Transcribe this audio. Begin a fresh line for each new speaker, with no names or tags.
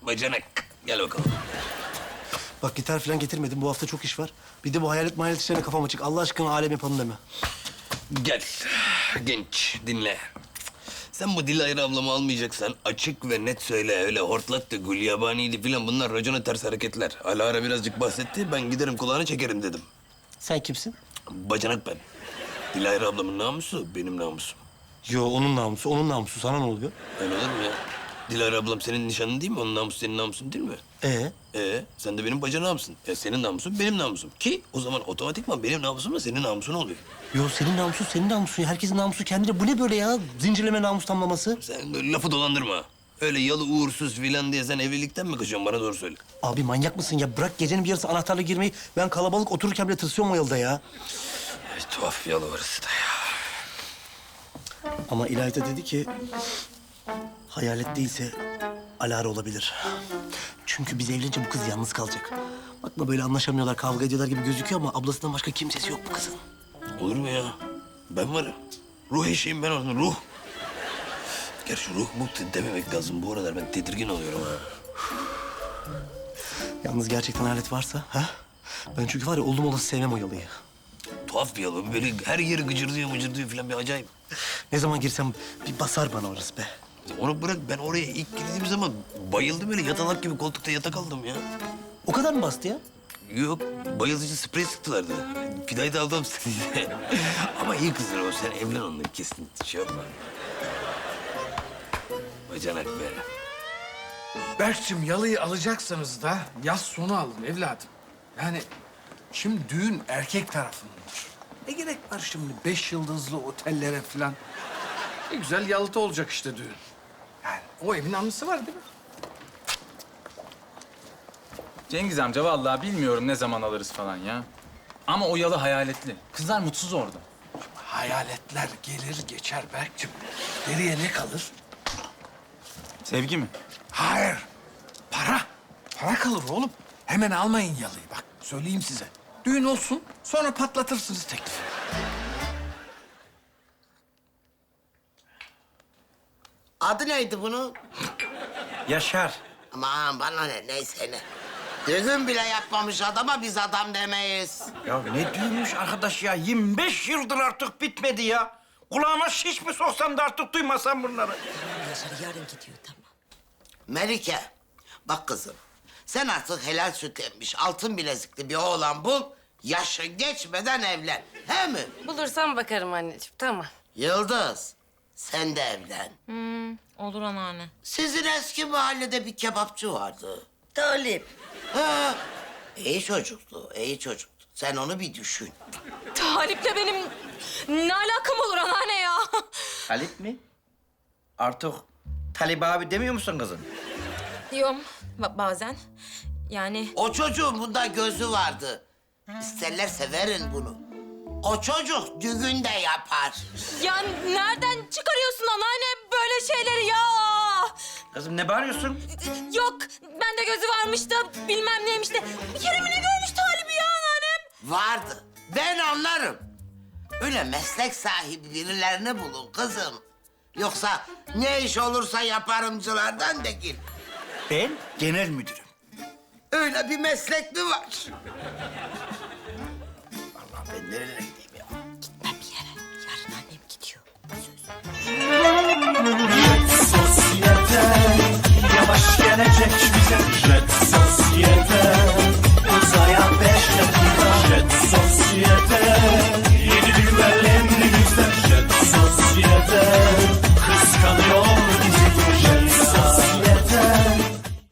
Bacanak. Gel bakalım.
Bak gitar falan getirmedim. Bu hafta çok iş var. Bir de bu hayalet işlerine kafam açık. Allah aşkına alem yapalım deme.
Gel. Genç, dinle. Sen bu Dilayra ablamı almayacaksan açık ve net söyle. Öyle hortlattı, gülyabaniydi falan bunlar racona ters hareketler. Alara birazcık bahsetti. Ben giderim kulağını çekerim dedim.
Sen kimsin?
Bacanak ben. Dilayra ablamın namusu benim namusum.
Yo onun namusu, onun namusu. Sana ne oluyor?
Öyle olur mu ya? Dilara ablam senin nişanın değil mi? Onun namusu senin namusun değil mi? Sen de benim bacanağımsın. Senin namusun benim namusum. Ki o zaman otomatikman benim namusum da senin namusun oluyor.
Yo senin namusun, senin namusun. Herkesin namusu kendine. Bu ne böyle ya? Zincirleme namus tamlaması.
Sen böyle lafı dolandırma. Öyle yalı uğursuz filan diye sen evlilikten mi kaçıyorsun? Bana doğru söyle.
Abi manyak mısın ya? Bırak gecenin bir yarısı anahtarla girmeyi. Ben kalabalık otururken bile tırsıyorum o yılda ya.
Tuhaf yalı orası da ya.
Ama İlayda dedi ki... hayalet değilse Alara olabilir. Çünkü biz evlenince bu kız yalnız kalacak. Bakma böyle anlaşamıyorlar, kavga ediyorlar gibi gözüküyor ama ablasından başka kimsesi yok bu kızın.
Olur mu ya? Ben varım. Ruh eşeğim ben onun, ruh. Gerçi ruh mutlu dememek lazım. Bu aralar ben tedirgin oluyorum ha.
Yalnız gerçekten hayalet varsa ha? Ben çünkü var ya oldum olası sevmem o yalıyı.
Tuhaf bir yalı. Böyle her yeri gıcırdıyor mıcırdıyor falan bir acayip.
Ne zaman girsem bir basar bana orası be.
Onu bırak, ben oraya ilk girdiğim zaman bayıldım öyle yatalak gibi koltukta yatak aldım ya.
O kadar mı bastı ya?
Yok, bayılıcı sprey sıktılardı. Fidayı da aldım size. Ama iyi kızdır o, sen evlen onunla kesin şey yapma. Bacanak be.
Berk'cim yalıyı alacaksanız da yaz sonu alın evladım. Yani şimdi düğün erkek tarafındandır. Ne gerek var şimdi 5 yıldızlı otellere falan? Ne güzel yalıda olacak işte düğün. Yani o evin anısı var değil mi?
Cengiz amca vallahi bilmiyorum ne zaman alırız falan ya. Ama o yalı hayaletli. Kızlar mutsuz orada.
Hayaletler gelir geçer Berk'cim. Geriye ne kalır?
Sevgi mi?
Hayır. Para. Para kalır oğlum. Hemen almayın yalıyı bak. Söyleyeyim size. Düğün olsun sonra patlatırsınız teklifi.
Adı neydi bunun?
Yaşar.
Aman bana ne, neyse ne. Düğün bile yapmamış adama biz adam demeyiz.
Ya ne düğünmüş arkadaş ya? 25 yıldır artık bitmedi ya. Kulağıma şiş mi soksam da artık duymasam bunları.
Yarın gidiyor tamam.
Melike, bak kızım. Sen artık helal süt emmiş, altın bilezikli bir oğlan bul. Yaşın geçmeden evlen. He mi?
Bulursam bakarım anneciğim tamam.
Yıldız, sen de evlen.
Olur anneanne.
Sizin eski mahallede bir kebapçı vardı.
Talip.
Ha, iyi çocuktu, iyi çocuktu. Sen onu bir düşün.
Talip'le benim ne alakam olur anneanne ya?
Talip mi? Artık Talip abi demiyor musun kızım?
Diyorum bazen. Yani
O çocuğun bunda gözü vardı. İsterlerse verin bunu. O çocuk düğün de yapar.
ya nereden çıkarıyorsun anneanne böyle şeyleri ya?
Kızım ne bağırıyorsun?
Yok bende gözü varmış da bilmem neymiş de. Bir kere mi ne görmüş Talip'i ya anneannem?
Vardı. Ben anlarım. Öyle meslek sahibi birilerini bulun kızım. Yoksa ne iş olursa yaparımcılardan değil.
Ben genel müdürüm.
Öyle bir meslek mi var?